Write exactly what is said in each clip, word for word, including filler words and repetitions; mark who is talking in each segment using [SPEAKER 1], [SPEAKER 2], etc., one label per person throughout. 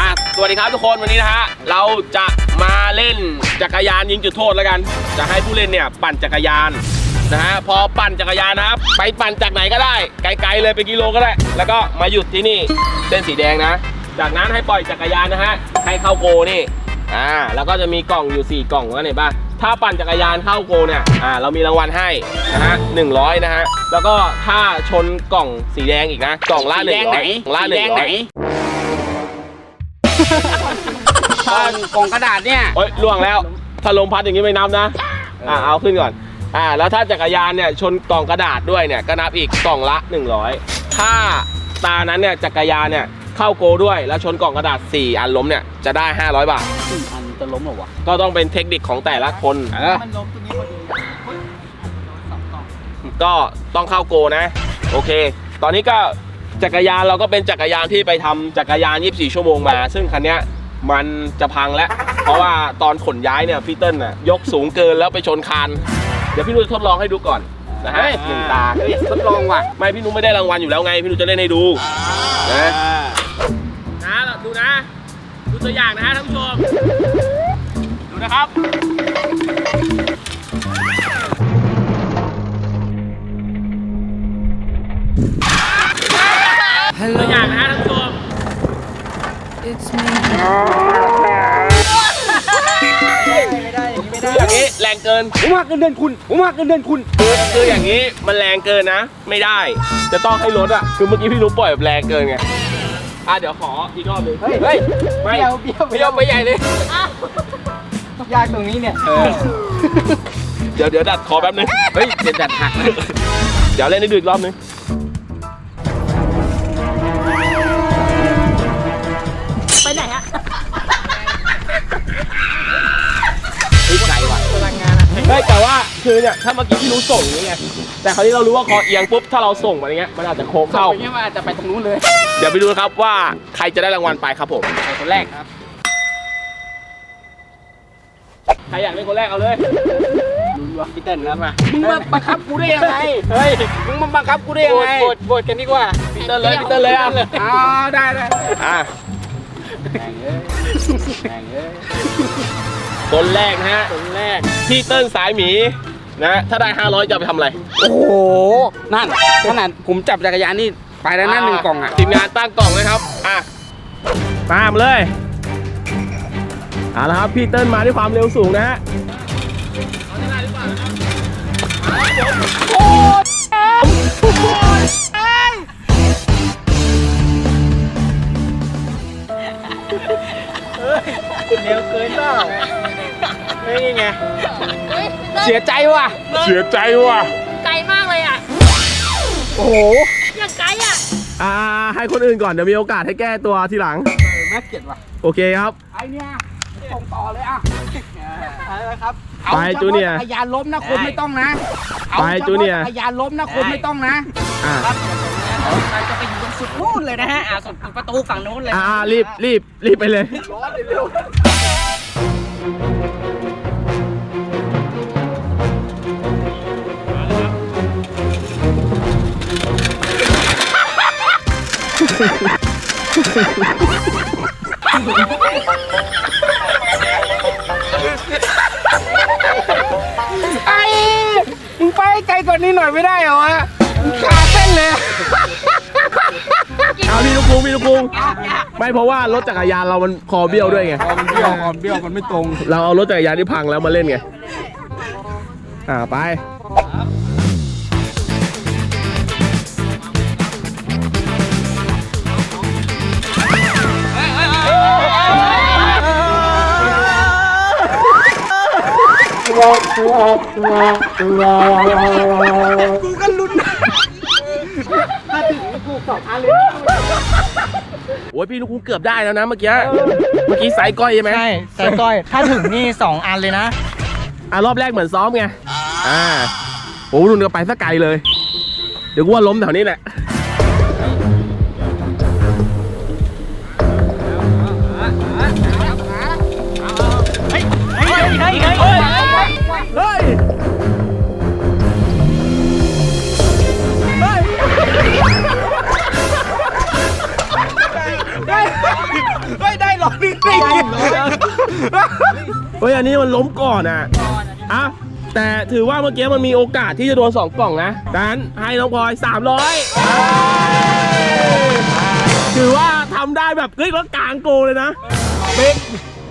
[SPEAKER 1] สวัสดีครับทุกคนวันนี้นะฮะเราจะมาเล่นจักรยานยิงจุดโทษแล้วกันจะให้ผู้เล่นเนี่ยปั่นจักรยานนะฮะพอปั่นจักรยานนะครับไปปั่นจากไหนก็ได้ไกลๆเลยไปกิโลก็ได้แล้วก็มาหยุดที่นี่เส้นสีแดงนะจากนั้นให้ปล่อยจักรยานนะฮะให้เข้าโกนี่อ่าแล้วก็จะมีกล่องอยู่สี่กล่องแล้วเนี่ยป่ะถ้าปั่นจักรยานเข้าโกเนี่ยอ่าเรามีรางวัลให้นะฮะหนึ่งร้อยนะฮะแล้วก็ถ้าชนกล่องสีแดงอีกนะกล่องละหนึ่งร้อยกล่องละหนึ่งร้อย
[SPEAKER 2] กล่องกล่องกระดาษเนี่ย
[SPEAKER 1] โอ๊ยล่วงแล้วถ้าลมพัดอย่างนี้ไม่นับนะอ่าเอาขึ้นก่อนอ่าแล้วถ้าจักรยานเนี่ยชนกล่องกระดาษด้วยเนี่ยก็นับอีกกล่องละหนึ่งร้อยถ้าตานั้นเนี่ยจักรยานเนี่ยเข้าโกด้วยแล้วชนกล่องกระดาษสี่อันล้มเนี่ยจะได้ห้าร้อยบาท
[SPEAKER 2] อันจะล้มหรอวะ
[SPEAKER 1] ก็ต้องเป็นเทคนิคของแต่ละคนมันล้มตรงนี้พอดีก็ต้องเข้าโกนะโอเคตอนนี้ก็จักรยานเราก็เป็นจักรยานที่ไปทำจักรยานยี่สิบสี่ชั่วโมงมาซึ่งคันนี้มันจะพังแล้วเพราะว่าตอนขนย้ายเนี่ยพี่เติ้ลน่ะยกสูงเกินแล้วไปชนคานเดี๋ยวพี่นุ้ยทดลองให้ดูก่อนนะฮะหนึ่งตาทดลองว่ะไม่พี่นุ้ยไม่ได้รางวัลอยู่แล้วไงพี่นุ้ยจะเล่นให้ดูนะนะดูนะดูตัวอย่างนะฮะท่านผู้ชมดูนะครับตัวอย่างนะฮะท่านผู้ชมไม่ได้ไม่ได้อย่างนี้แรงเกิน
[SPEAKER 2] ผมหักเงินเดือนคุณผมหักเงินเดือนคุณ
[SPEAKER 1] คือคืออย่างนี้มันแรงเกินนะไม่ได้จะต้องให้ลดอ่ะคือเมื่อกี้พี่รู้ปล่อยแบบแรงเกินไงอ่ะเดี๋ยวขออีกรอบนึง
[SPEAKER 2] เฮ้ยเฮ้ย
[SPEAKER 1] ไม่เบี้ยวเบี้ยวเบี้ยวไม่ใหญ่เลย
[SPEAKER 2] ยากตรงนี้เนี่ย
[SPEAKER 1] เดี๋ยวเดี๋ยวดัดคอแป๊บนึง
[SPEAKER 2] เฮ้ยเดี๋ยวดัดหักนะ
[SPEAKER 1] เดี๋ยวเล่นให้ดูอีกรอบนึง
[SPEAKER 3] ไปไหนอะ
[SPEAKER 1] เฮ้ยไกลว่ะพลังงานอะเฮ้ยแต่ว่าคือเนี่ยถ้าเมื่อกี้พี่รู้ส่งอย่างเงี้ยแต่คราวนี้เรารู้ว่าคอเอียงปุ๊บถ้าเราส่งมาอย่างเงี้ยมันอาจจะโค้งเข้า
[SPEAKER 2] อย่างเงี้ยมันอาจจะไปตรงนู้นเลย
[SPEAKER 1] เดี๋ยวไปดูครับว่าใครจะได้รางวัลไปครับผม
[SPEAKER 2] คนแรกครับ
[SPEAKER 1] ใครอยากเล่นคนแรกเอาเลย
[SPEAKER 2] ดูว่าพี่เติ้ลครับมามึงมาบังคับกูได้ยังไง
[SPEAKER 1] เฮ้ย
[SPEAKER 2] มึงมาบังคับกูได้ยังไงโหวตโหวตกันดีกว่า
[SPEAKER 1] พี่เติ้ลเลยพี่เติ้ลเลยอ่ะ
[SPEAKER 2] อ๋อได้ได้
[SPEAKER 1] อ่ะคนแรกนะฮะ
[SPEAKER 2] คนแรก
[SPEAKER 1] พี่เติ้ลสายหมีนะถ้าได้ห้าร้อยจะไปทำอะไร
[SPEAKER 2] โอ้โหนั่นขนาดผมจับจักรยานนี่ไปแล้วนั่นหนึ่งกล่องอ่ะ
[SPEAKER 1] ทีมงานตั้งกล่องเลยครับอ่ะตามเลยเอาละครับพี่เติ้ลมาด้วยความเร็วสูงนะฮะโอ้
[SPEAKER 2] เร็วเกินเปล่านี่ไงเสียใจว่ะ
[SPEAKER 1] เสียใจว่ะ
[SPEAKER 3] ไกลมากเลยอ่ะ
[SPEAKER 2] โอ้โห
[SPEAKER 3] อย่างไกลอ่ะ
[SPEAKER 1] อ่าให้คนอื่นก่อนเดี๋ยวมีโอกาสให้แก้ตัวทีหลัง
[SPEAKER 2] น่าเกลียดว่ะ
[SPEAKER 1] โอเคครับ
[SPEAKER 2] ไอเนี่ยส่งต่อเลยอ่ะอะไรครับ
[SPEAKER 1] ไปจูเนียร์
[SPEAKER 2] พยานล้มนะคนไม่ต้องนะ
[SPEAKER 1] ไปจูเนียร์
[SPEAKER 2] พยานล้มนะคนไม่ต้องนะ
[SPEAKER 1] อ่า
[SPEAKER 3] เราจะไปอยู่ตรงสุดนู่นเลยนะฮะอ่าสุดประตูฝั่งนู้นเลย
[SPEAKER 1] อ่ารีบรีบรีบไปเลยร้อนเร็ว
[SPEAKER 2] ไอ้มึงไปไกลกว่านี้หน่อยไม่ได้เหรอวะขาเส้นเลย
[SPEAKER 1] เอาพี่ลูกคุงพี่ลูกคุงไม่เพราะว่ารถจักรยานเรามันคอเบี้ยวด้วยไง
[SPEAKER 2] คอเบี้ยวคอเบี้ยวมันไม่ตรง
[SPEAKER 1] เราเอารถจักรยานที่พังแล้วมาเล่นไงอ่าไป
[SPEAKER 2] กูก็ลุ้นถ้าถึงกูสองอันเลย
[SPEAKER 1] โอ้ยพี่ลูกคุงเกือบได้แล้วนะเมื่อกี้เมื่อกี้สายก้อยใช่ไหม
[SPEAKER 4] ใช่สายก้อยถ้าถึงนี่สองอันเลยนะ
[SPEAKER 1] อ่ะรอบแรกเหมือนซ้อมไงอ่าโอ้รุ่นก็ไปสักไกลเลยเดี๋ยวกูว่าล้มแถวนี้แหละ
[SPEAKER 3] เฮ้ยเฮ้ยเฮ้ยเฮ้ย
[SPEAKER 1] เฮ้ย
[SPEAKER 2] ได้ได้ได้หรอ
[SPEAKER 1] เฮ้ยอันนี้มันล้มก่อนอ่ะอ่ะแต่ถือว่าเมื่อกี้มันมีโอกาสที่จะโดนสองกล่องนะดังนั้นให้น้องพลอยสามร้อยถือว่าทำได้แบบเฮ้ยรถกลางโกเลยนะเบรก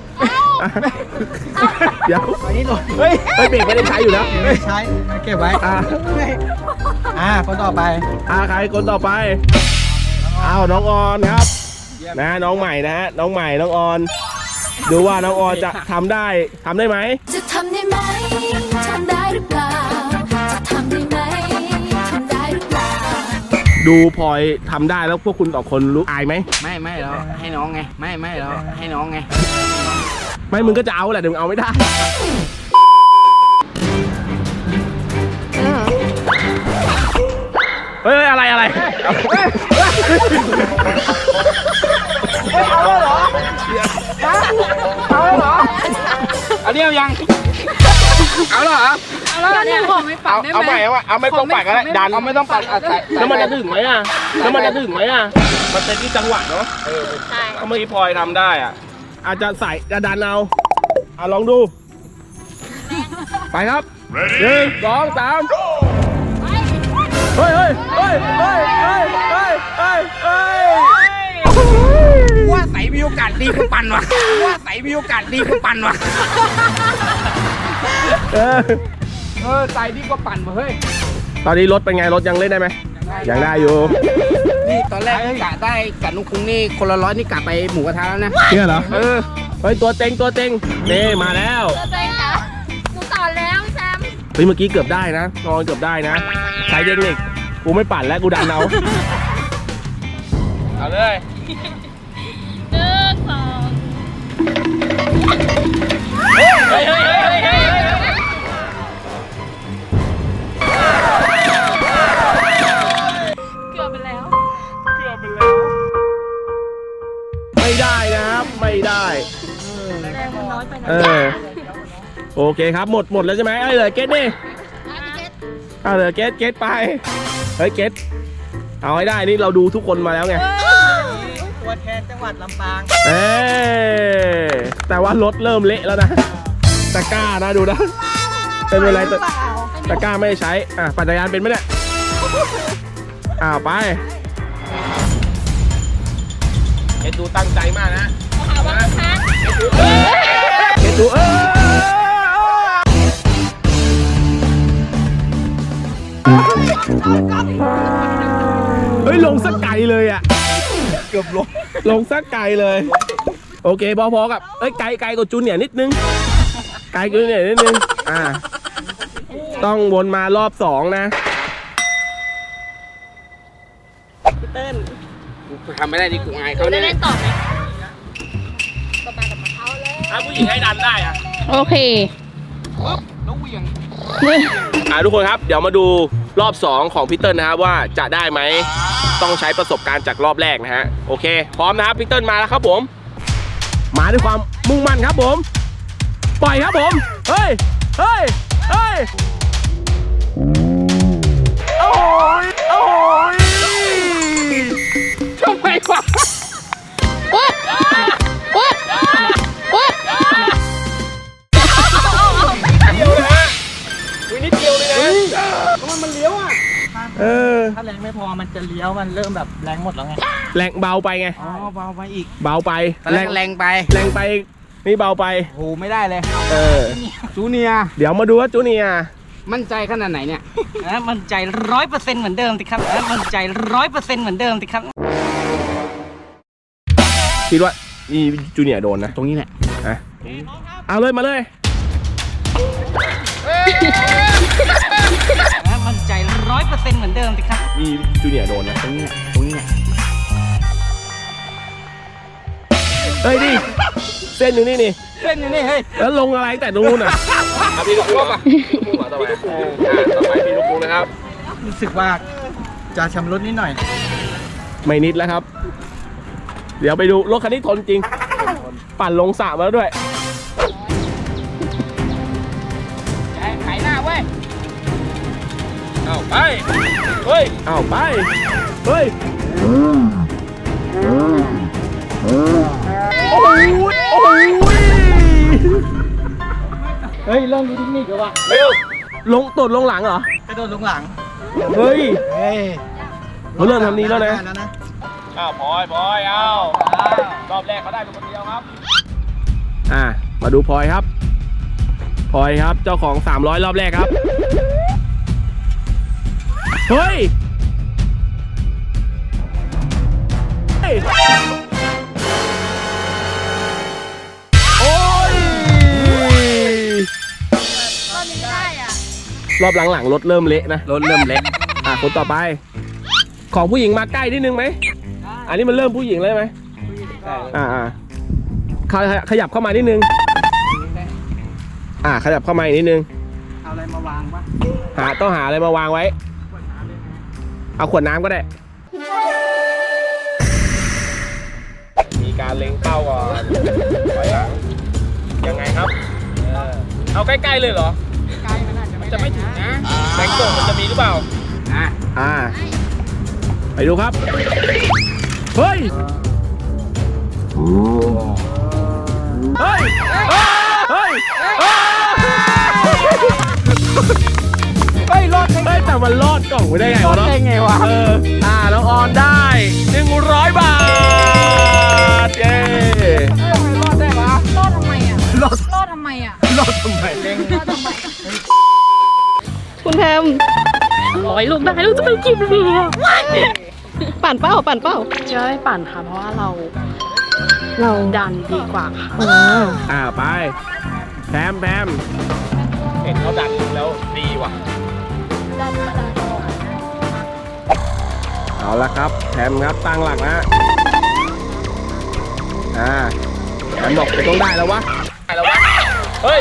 [SPEAKER 1] เดี๋ยว
[SPEAKER 4] อันนี้หล่น
[SPEAKER 1] เฮ้ยเฮ้ยเบรกไม่ได้ใช้อยู่แล้ว
[SPEAKER 4] ไม่ใช้เก็บไว้
[SPEAKER 1] อ่ะ
[SPEAKER 4] อ่าคนต่อไป
[SPEAKER 1] อ่ะใครคนต่อไปอ้าวน้องออนครับนะน้องใหม่นะฮะน้องใหม่น้องออนดูว่าน้องออนจะทำได้ทำได้ไหม
[SPEAKER 5] จะทำได้ไหมทำได้หรือเปล่าจะทำได้ไหมทำได้หรือเปล่า
[SPEAKER 1] ดูพลอยทำได้แล้วพวกคุณสองคนรู้อายไหม
[SPEAKER 3] ไม่ไม่เราให้น้องไง ไม่ไม่เราให้น้องไง
[SPEAKER 1] ไม่มึงก็จะเอาแหละแต่มึงเอาไม่ได้เฮ้ยอะไรอะไรเอาแล้วเหรอเอาแล้วเหรอ
[SPEAKER 2] เอาเรียวยัง เอาเหรอ
[SPEAKER 3] แล้วเนี่ยขอไม่ปัด
[SPEAKER 1] เอา
[SPEAKER 3] ได้
[SPEAKER 1] เอา
[SPEAKER 3] ไห
[SPEAKER 1] ให
[SPEAKER 3] ม
[SPEAKER 1] ม่เอาเอาไม่ต้องปัดก็ได้ดัน
[SPEAKER 2] เอาไม่ต้องปัดอ่ะใส่
[SPEAKER 1] แล้วมันจะถึงไหมอ่ะแล้วมันจะถึงไหมอ่ะมันเป็นที่จังหวะเนาะ
[SPEAKER 5] ใช่
[SPEAKER 1] ถ้าเมื่อกี้พลอยทำได้อ่ะอาจจะใส่จะดันเอาอ่ะลองดู ไปครับหนึ่งสองสามเฮ้ยเฮ้ยเฮ้ยเฮ้ยเฮ้ยเฮ้ยเฮ้ยเฮ้ย
[SPEAKER 2] ว่าใส่มีโอกาสดีกว่าปั่นว่ะว่าใส่มีโอกาสดีกว่าปั่นว่ะ
[SPEAKER 1] เออ
[SPEAKER 2] เออใส่ดีกว่าปั่นว่ะเฮ้ย
[SPEAKER 1] ตอนนี้รถเป็นไงรถยังเล่นได้ไหมยังได้อยู่
[SPEAKER 2] นี่ตอนแรกกะได้กับนุ้งคุ้งนี่คนละร้อยนี่กะไปหมูกระทะแล้วนะ
[SPEAKER 1] เนี่ยเหรอ
[SPEAKER 2] เออ
[SPEAKER 1] เฮ้ยตัวเต็งตัวเต็งนี่มาแล้ว
[SPEAKER 5] ตัวเองเหรอหนูสอนแล้วพี่แซม
[SPEAKER 1] เฮ้ยเมื่อกี้เกือบได้นะนอนเกือบได้นะใช้เทคนิคกูไม่ปั่นแล้วกูดันเอาเอาเลย
[SPEAKER 5] หนึ่งสอง
[SPEAKER 1] เฮ้ยเฮ้ยเฮ้ยเฮ้ยเฮ้ย
[SPEAKER 5] เกือบไปแล้ว
[SPEAKER 1] เกือบไปแล้วไม่ได้นะครับไม่ได้
[SPEAKER 5] แรงมันน้อยไปนะ
[SPEAKER 1] เออโอเคครับหมดหมดแล้วใช่ไหมไอ้เหลือเกตดิเอาเหลือเกตเกตไปเฮ้ยเกตเอาให้ได้นี่เราดูทุกคนมาแล้วไง
[SPEAKER 4] ตัวแทนจังหวัดลำปาง
[SPEAKER 1] เอ้ยแต่ว่ารถเริ่มเละแล้วนะตะกร้านะดูนะเป็นอะไรตะตะกร้าไม่ได้ใช้อ่ะปั่นจักรยานเป็นไหมเนี่ยอ้าวไปเอ็ดดูตั้งใจมากนะ
[SPEAKER 5] หาว่าค้าง
[SPEAKER 1] เอ็ดดูเออเฮ้ยลงสักไกลเลยอ่ะเกือบลงลงสักไกลเลยโอเคพอๆกับเอ้ยไกลไกลกว่าจูเนียร์นิดนึงไกลกว่าจูเนียร์นิดนึงอ่าต้องวนมารอบสองนะ
[SPEAKER 3] พี่เติ้ล
[SPEAKER 2] กูทำไม่ได้นี่กูอาย
[SPEAKER 5] หนู
[SPEAKER 2] เขา
[SPEAKER 5] จะ
[SPEAKER 2] เนี่ย
[SPEAKER 5] เล่นต่อไหมกลับมากับมาเอาเลย
[SPEAKER 1] ถ้าผู้หญิงให้ดันได้อ่ะ
[SPEAKER 5] โอเค
[SPEAKER 2] แล้วเหวี่ยง
[SPEAKER 1] อ่าทุกคนครับเดี๋ยวมาดูรอบสองของพี่เติ้ลนะครับว่าจะได้ไหมต้องใช้ประสบการณ์จากรอบแรกนะฮะโอเคพร้อมนะครับพี่เติ้ลมาแล้วครับผมมาด้วยความมุ่งมั่นครับผมปล่อยครับผมเฮ้ยเฮ้ยเฮ้ยโอ้ยโอ้ย
[SPEAKER 2] ทำไมวะ
[SPEAKER 5] วัดวัดวัด
[SPEAKER 1] เดียวนะฮะวินิดเดียวเลยนะ
[SPEAKER 2] ทำไมมันเลี้ยวอ่ะ
[SPEAKER 1] เออ
[SPEAKER 4] ถ้าแรงไม่พอมันจะเลี้ยวมันเริ่มแบบแรงหมดแล้วไง
[SPEAKER 1] แรงเบาไปไง
[SPEAKER 2] อ๋อเบาไปอีก
[SPEAKER 1] เบาไป
[SPEAKER 2] ตอนแรกแรงไป
[SPEAKER 1] แรงไปนี่เบาไป
[SPEAKER 2] โหไม่ได้เลย
[SPEAKER 1] เออ
[SPEAKER 2] จูเนียร์
[SPEAKER 1] เดี๋ยวมาดูว่าจูเนียร์
[SPEAKER 2] มั่นใจขนาดไหนเนี่ย
[SPEAKER 3] นะมันใจร้อยเปอร์เซ็นต์เหมือนเดิมสิครับนะมันใจร้อยเปอร์เซ็นต์เหมือนเดิมสิครับ
[SPEAKER 1] คิดว่านี่จูเนียร์โดนนะ
[SPEAKER 2] ตรงนี้แหละ
[SPEAKER 1] อ่ะเอาเลยมาเลย
[SPEAKER 3] นะมันใจร้อยเปอร์เซ็นต์เหมือนเดิมสิครับ
[SPEAKER 1] นี่จูเนียร์โดนนะ
[SPEAKER 2] ตรงนี้แหละตรงนี้แหละ
[SPEAKER 1] เฮ้ยนี่เส้นอยู่นี่นี่
[SPEAKER 2] เส้นอยู่นี่เฮ้ย
[SPEAKER 1] แล้วลงอะไรแต่ตรงนู้นอ่ะพี่ลูกกุ้งอ่ะต่อไปต่อไปพี่ลูกกุ้งนะครับ
[SPEAKER 4] รู้สึกว่าจะชำรุดนิดหน่อย
[SPEAKER 1] ไม่นิดแล้วครับ เดี๋ยวไปดูรถคันนี้ทนจริง ปั่นลงสระมาแล้วด้วย
[SPEAKER 2] ไถหน้าเว้ย
[SPEAKER 1] เอาไปเฮ้ยเอาไปเฮ้ยโอ้โหโอ้โห
[SPEAKER 4] เฮ้ย เริ่มรู้เทคนิคแล้วว่ะ
[SPEAKER 1] เร็วลงตดลงหลังเหรอ
[SPEAKER 4] กระโดดลงหลัง
[SPEAKER 1] เฮ้ย
[SPEAKER 4] เฮ้ย
[SPEAKER 1] เขาเริ่มทำนี้แล้วนะ
[SPEAKER 4] ได้แล้วนะ
[SPEAKER 1] อ้าวพลอยพลอยเอารอบแรกเขาได้เป็นคนเดียวครับ อ่า มาดูพลอยครับพลอยครับ เจ้าของสามร้อยรอบแรกครับ เฮ้ย เฮ้ย โอ้ย
[SPEAKER 6] ตอนนี้ได้อ่ะ
[SPEAKER 1] รอบหลังๆรถเริ่มเละนะ รถเริ่มเละ อ่ะคนต่อไป ของผู้หญิงมาใกล้นิดนึงไหม อันนี้มันเริ่มผู้หญิงเลยไหมอ่าอ่าขยขยับเข้ามานิดนึง อ่าขยับเข้ามาอีกนิดนึง
[SPEAKER 4] เอาอะไรมาวางวะ
[SPEAKER 1] หาต้องหาอะไรมาวางไว้ เอาขวดน้ำก็ได้ มีการเล็งเป้าก่อนถอยหลัง ยังไงครับ เอาใกล้ๆเลยเหรอ
[SPEAKER 4] ใกล้มันอาจจะไม่
[SPEAKER 1] จะไม่ถึงนะแบงค์ส่งมันจะมีหรือเปล่า อ่าอ่า ไปดูครับ เฮ้ย เฮ้ย เฮ้ย เฮ้ย
[SPEAKER 4] เฮ้ย รอด
[SPEAKER 1] เฮ้ยแต่มันรอดกล่องไปได้ไงวะเนาะ
[SPEAKER 4] ได้ไงวะ
[SPEAKER 1] เออ อ่าน้องออนได้หนึ่งร้อยบาท เย้
[SPEAKER 4] รอดได้วะ
[SPEAKER 6] รอดทำไมอ่ะ
[SPEAKER 4] รอด
[SPEAKER 6] รอดทำไมอ่ะ
[SPEAKER 4] รอดทำไมเด้ง
[SPEAKER 6] รอดทำไม
[SPEAKER 7] คุณแพมร้อยลูกได้ลูกจะไปกินเบียร์ปั่นเป้าปั่นเป้า
[SPEAKER 8] จะไม่ปั่นค่ะ เพราะว่าเรา เราดันดีกว่าค่ะ
[SPEAKER 7] อ๋อ
[SPEAKER 1] อ่าไป แพมแพมเห็นเขาดันแล้วดีว่ะ เอาละครับแพมครับตั้งหลักนะอ่าแพมบอกต้องได้แล้ววะได้แล้ววะ เฮ้ย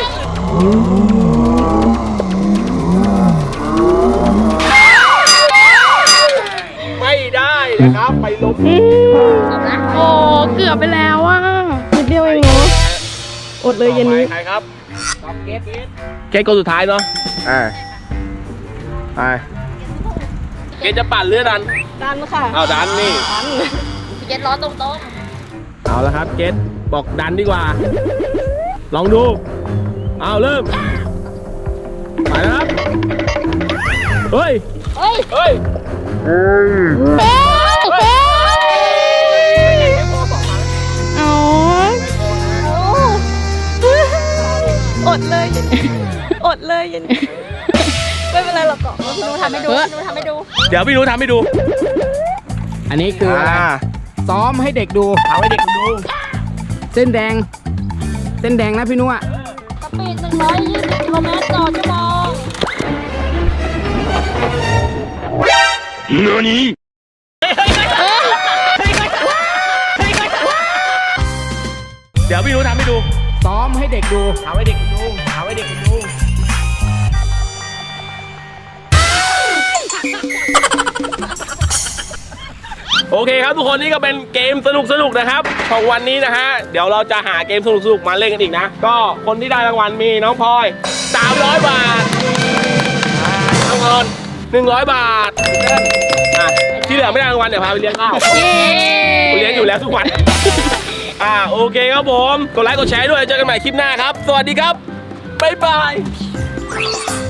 [SPEAKER 1] ไม่ได้นะครับ ไปลบ
[SPEAKER 8] โอ้ เกือบไปแล้วอ่ะ
[SPEAKER 7] นิดเดียวเองเนาะอดเลยเย็นนี้
[SPEAKER 1] ใครครับเกตเกตคนสุดท้ายเนาะ อ่า ไป เกตจะปั่นเรือดัน
[SPEAKER 7] ดันค่ะ
[SPEAKER 1] เอาดันนี่
[SPEAKER 6] เย็นร้อนตรง
[SPEAKER 1] เอาละครับเกตบอกดันดีกว่า ลองดู เอาเริ่ม ไปนะครับ เฮ้ย
[SPEAKER 6] ๆเฮ้ย
[SPEAKER 1] เฮ้ย
[SPEAKER 6] เฮ้ย
[SPEAKER 7] อ๋อ อดเลยเย็นนี้อดเลยเย็นนี้ไม่เป็นไรหรอกเกาะ
[SPEAKER 6] หนูทำให้ดูหนูทำให้ดู
[SPEAKER 1] เดี๋ยวพี่รู้ทำให้ดู
[SPEAKER 2] อันนี้คืออะไร
[SPEAKER 1] อ่า
[SPEAKER 2] ซ้อมให้เด็กดู
[SPEAKER 1] เอาให้เด็กดู
[SPEAKER 2] เส้นแดง เส้นแดงนะพี่นุ้อะ
[SPEAKER 6] สปีดหนึ่งร้อยยี่สิบกิโลเมตรต่อชั่วโมง
[SPEAKER 1] เดี๋ยวพี่รู้ทำให้ดู
[SPEAKER 2] ซ้อมให้เด็กดู
[SPEAKER 1] เอาให้เด็กดูเอาให้เด็กดู โอเคครับทุกคนนี่ก็เป็นเกมสนุกสนุกๆนะครับของวันนี้นะฮะเดี๋ยวเราจะหาเกมสนุกสนุกๆมาเล่นกันอีกนะ ก็คนที่ได้รางวัลมีน้องพลอยสามร้อยบาทอ่าน้องออนหนึ่งร้อยบาทอ่ะที่เหลือไม่ได้รางวัลเดี๋ยวพาไปเลี้ยงข้าวกูเลี้ยงอยู่แล้วทุกวัน อ่าโอเคครับผมกดไลค์กดแชร์ด้วยเจอกันใหม่คลิปหน้าครับ สวัสดีครับบ๊ายบาย